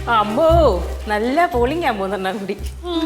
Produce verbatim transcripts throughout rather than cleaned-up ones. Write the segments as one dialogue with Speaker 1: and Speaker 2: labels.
Speaker 1: അമ്മോ നല്ല പോളിംഗ് ആകുമ്പോ കൂടി.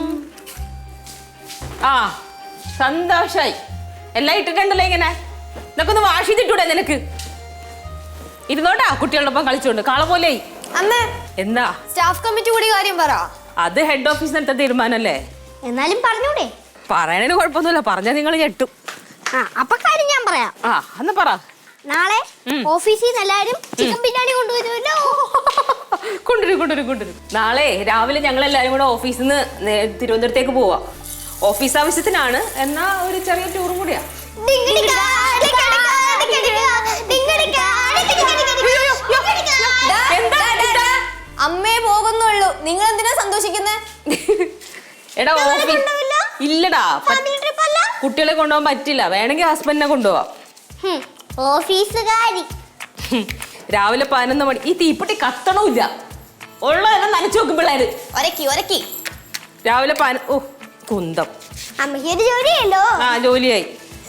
Speaker 1: ആ സന്തോഷായി. എല്ലാം ഇട്ടിട്ടുണ്ടല്ലോ ഇങ്ങനെ. ഇതൊക്കെ ഒന്ന് വാഷ് ചെയ്തിട്ടൂടെ നിനക്ക്? ഇരുന്നോട്ടാ കുട്ടികളോടൊപ്പം കളിച്ചോണ്ട് കാള പോലെ. എന്താ
Speaker 2: സ്റ്റാഫ് കമ്മിറ്റി കൂടി കാര്യം പറ.
Speaker 1: അത് ഹെഡ് ഓഫീസിനടുത്ത തീരുമാനല്ലേ.
Speaker 2: എന്നാലും പറഞ്ഞൂടെ?
Speaker 1: പറയണതിന് കുഴപ്പമൊന്നുമില്ല, പറഞ്ഞാൽ നിങ്ങൾ ഞെട്ടും.
Speaker 2: ആ അപ്പൊ കാര്യം ഞാൻ പറയാം.
Speaker 1: ആ എന്നാ പറ.
Speaker 2: നാളെ ഓഫീസിൽ നിന്ന് എല്ലാരും ചിക്കൻ ബിരിയാണി കൊണ്ടുവരുമല്ലോ.
Speaker 1: കൊണ്ടുവരും കൊണ്ടുവരും കൊണ്ടുവരും. നാളെ രാവിലെ ഞങ്ങൾ എല്ലാരും കൂടെ ഓഫീസിൽ നിന്ന് തിരുവനന്തപുരത്തേക്ക് പോവാ. ഓഫീസ് ആവശ്യത്തിനാണ്, എന്നാ ഒരു ചെറിയ ടൂറും കൂടിയാ.
Speaker 2: അമ്മേ പോകുന്നുള്ളൂ, നിങ്ങൾ എന്തിനാ സന്തോഷിക്കുന്നേ?
Speaker 1: എടാ ഓഫീസ് ഇല്ലടാ, കുട്ടികളെ കൊണ്ടുപോകാൻ പറ്റില്ല. വേണമെങ്കിൽ ഹസ്ബൻഡിനെ കൊണ്ടുപോവാം.
Speaker 2: ഓഫീസുകാരി
Speaker 1: രാവിലെ പതിനൊന്ന് മണി. ഈ തീപ്പെട്ടി കത്തണമില്ല, ഉള്ളതെല്ലാം നനച്ചു നോക്കും പിള്ളേര്.
Speaker 2: ഒരക്കി ഒരക്കി
Speaker 1: രാവിലെ പതിന ഓ കുന്തം.
Speaker 2: അമ്മയ്ക്കൊരു ജോലിയല്ലോ.
Speaker 1: ആ ജോലിയായി.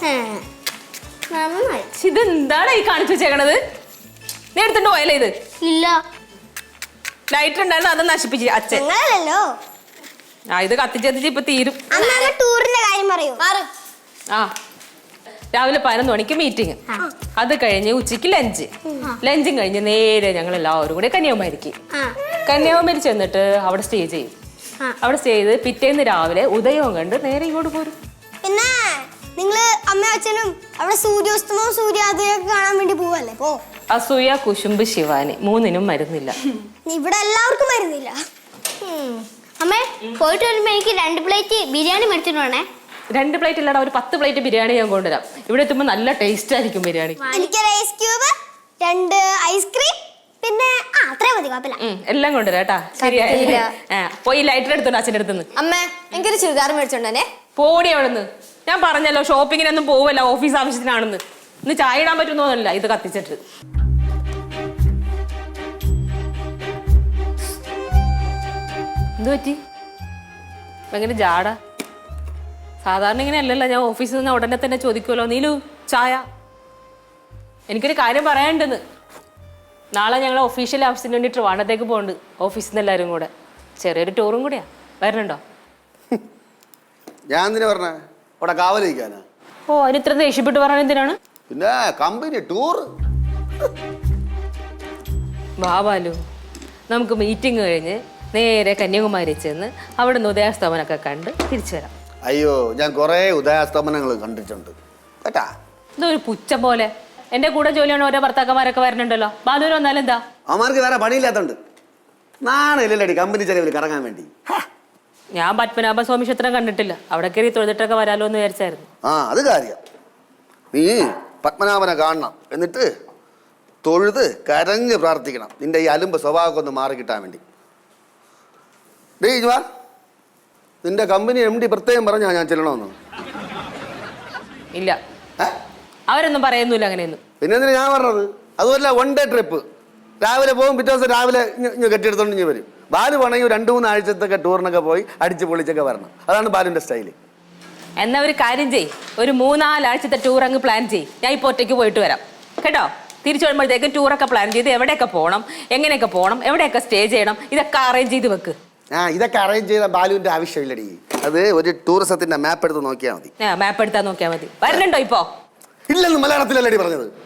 Speaker 1: ഇതെന്താണ് ഈ കാണിച്ചു വെച്ചേക്കണത്? നീ എടുത്തിട്ട് പോയല്ലേ ഇത്?
Speaker 2: ഇല്ല,
Speaker 1: ലൈറ്റർ ഉണ്ടായിരുന്നു, അത് നശിപ്പിച്ചു അച്ഛൻ. ആ ഇത് കത്തിച്ചെത്തിച്ച് ഇപ്പൊ തീരും.
Speaker 2: ടൂറിന്റെ കാര്യം പറയൂ.
Speaker 1: ആ രാവിലെ പതിനൊന്ന് മണിക്ക് മീറ്റിംഗ്, അത് കഴിഞ്ഞ് ഉച്ചയ്ക്ക് ലഞ്ച്, ലഞ്ചും കഴിഞ്ഞ് നേരെ ഞങ്ങൾ എല്ലാവരും കൂടെ കന്യാകുമാരിക്ക് കന്യാകുമാരി ചെന്നിട്ട് അവിടെ സ്റ്റേ ചെയ്യും. അവിടെ സ്റ്റേ ചെയ്ത് പിറ്റേന്ന് രാവിലെ ഉദയവും കണ്ട് നേരെ ഇങ്ങോട്ട് പോരും.
Speaker 2: പിന്നെ നിങ്ങള് അമ്മ അച്ഛനും അവിടെ സൂര്യോസ്തമവും സൂര്യോദയം കാണാൻ വേണ്ടി പോവല്ലേ? പോ.
Speaker 1: അസൂയ, കുശുമ്പ്, ശിവാനി മൂന്നിനും മരുന്നില്ല.
Speaker 2: ഇവിടെ എല്ലാവർക്കും മരുന്നില്ല. അമ്മേ പോയിട്ട് വരുമ്പോ എനിക്ക് രണ്ട് പ്ലേറ്റ് ബിരിയാണി മേടിച്ചിട്ട് വേണേ.
Speaker 1: രണ്ട് പ്ലേറ്റ് ഇല്ലടാ, ഒരു പത്ത് പ്ലേറ്റ് ബിരിയാണി ഞാൻ കൊണ്ടുവരാം. ഇവിടെ എത്തുമ്പോ നല്ല ടേസ്റ്റ് ആയിരിക്കും ബിരിയാണി.
Speaker 2: എനിക്ക് ഐസ് ക്യൂബ്, രണ്ട് ഐസ്ക്രീം, പിന്നെ ആ അത്രയും മതി, കുഴപ്പമില്ല.
Speaker 1: എല്ലാം കൊണ്ടുവരാം കേട്ടാ. ശരിയായി. പോയി ലൈറ്റർ എടുത്തോണ്ട് അച്ഛൻ്റെ അടുത്തുനിന്ന്.
Speaker 2: അമ്മ എനിക്കൊരു ചുരിദാർ മേടിച്ചോണ്ടേ.
Speaker 1: പോടി അവിടുന്ന്. ഞാൻ പറഞ്ഞല്ലോ ഷോപ്പിങ്ങിനൊന്നും പോവല്ല, ഓഫീസ് ആവശ്യത്തിനാണെന്ന്. ഇന്ന് ചായ ഇടാൻ പറ്റുന്നോന്നല്ല ഇത് കത്തിച്ചിട്ട്. എന്ത് പറ്റി? ഭയങ്കര ജാട. സാധാരണ ഇങ്ങനെ അല്ലല്ലോ, ഞാൻ ഓഫീസിൽ നിന്ന് ഉടനെ തന്നെ ചോദിക്കുമല്ലോ, നീലു ചായ. എനിക്കൊരു കാര്യം പറയാനുണ്ടെന്ന്. നാളെ ഞങ്ങൾ ഒഫീഷ്യൽ ആവശ്യത്തിന് വേണ്ടി ട്രിവാൻഡ്രത്തേക്ക് പോകുന്നുണ്ട്, ഓഫീസിൽ നിന്ന് എല്ലാവരും കൂടെ. ചെറിയൊരു ടൂറും കൂടിയാ. വരണുണ്ടോ?
Speaker 3: ഞാൻ എന്തിനാ പറഞ്ഞേ? അവിടെ കാവലിരിക്കാനാ?
Speaker 1: ഓ അതിന് ഇത്ര ദേഷ്യപ്പെട്ട് പറയാൻ എന്തിനാണ്?
Speaker 3: പിന്നെ കമ്പനി ടൂർ.
Speaker 1: വാ ബാലു, നമുക്ക് മീറ്റിംഗ് കഴിഞ്ഞ് നേരെ കന്യാകുമാരി ചെന്ന് അവിടെ നിന്ന് ഉദയാസ്തമനൊക്കെ കണ്ട് തിരിച്ചു വരാം.
Speaker 3: അയ്യോ, ഞാൻ കുറേ ഉദയാസ്തമനങ്ങൾ കണ്ടിട്ടുണ്ട് കേട്ടാ.
Speaker 1: ഇതൊരു പുച്ഛ പോലെ. എന്റെ കൂടെ ജോലിയാണ് ഓരോ ഭർത്താക്കന്മാരൊക്കെ വരണുണ്ടല്ലോ. ബാലുവിന് വന്നാലും എന്താ?
Speaker 3: അവന്മാർക്ക് വേറെ പണിയില്ലാത്തോണ്ട് നാണില്ലടി കമ്പനി ചെലവിൽ കറങ്ങാൻ വേണ്ടി.
Speaker 1: ഞാൻ പത്മനാഭ സ്വാമി ക്ഷേത്രം കണ്ടിട്ടില്ല, അവിടെ കയറി തൊഴുതിട്ടൊക്കെ വരാലോ എന്ന് വിചാരിച്ചായിരുന്നു.
Speaker 3: ആ അത് കാര്യം. നീ പത്മനാഭനെ കാണണം, എന്നിട്ട് തൊഴുത് കരഞ്ഞ് പ്രാർത്ഥിക്കണം നിന്റെ ഈ അലുമ്പ് സ്വഭാവമൊക്കെ ഒന്ന് മാറി കിട്ടാൻ വേണ്ടി. ഡേ ഇജ്വാ, നിന്റെ കമ്പനി എം ഡി പ്രത്യേകം പറഞ്ഞാ ഞാൻ ചെല്ലണമെന്ന്?
Speaker 1: ഇല്ല, അവരൊന്നും പറയുന്നില്ല അങ്ങനെയൊന്നും.
Speaker 3: പിന്നെ എന്തിനാ ഞാൻ പറഞ്ഞത്? അതുമല്ല, വൺ ഡേ ട്രിപ്പ്. രാവിലെ പോകും, പിറ്റേ ദിവസം രാവിലെ ഇഞ്ഞ് കെട്ടിയെടുത്തോണ്ട് ഇഞ്ഞ് വരും. ബാലു വേണമെങ്കിൽ രണ്ട് മൂന്ന് ആഴ്ചത്തൊക്കെ ടൂറിനൊക്കെ പോയി അടിച്ച് പൊളിച്ചൊക്കെ വരണം. അതാണ് ബാലുവിൻ്റെ സ്റ്റൈല്.
Speaker 1: എന്നാ ഒരു കാര്യം ചെയ്, ഒരു മൂന്നാലാഴ്ചത്തെ ടൂർ അങ്ങ് പ്ലാൻ ചെയ്. ഞാൻ ഇപ്പോൾ ഒറ്റയ്ക്ക് പോയിട്ട് വരാം കേട്ടോ. തിരിച്ചു വരുമ്പോഴത്തേക്കും ടൂറൊക്കെ പ്ലാൻ ചെയ്ത് എവിടെയൊക്കെ പോകണം, എങ്ങനെയൊക്കെ പോകണം, എവിടെയൊക്കെ സ്റ്റേ ചെയ്യണം, ഇതൊക്കെ അറേഞ്ച് ചെയ്ത് വെക്ക്.
Speaker 3: ആ ഇതൊക്കെ അറേഞ്ച് ചെയ്ത ബാലുവിൻ്റെ ആവശ്യമില്ലടി. അത് ഒരു ടൂറിസത്തിന്റെ മാപ്പ് എടുത്ത് നോക്കിയാൽ മതി.
Speaker 1: മാപ്പ് എടുത്താൽ നോക്കിയാൽ മതി. വരണുണ്ടോ ഇപ്പോ?
Speaker 3: ഇല്ലെന്ന് മലയാളത്തിലല്ലടി പറഞ്ഞത്.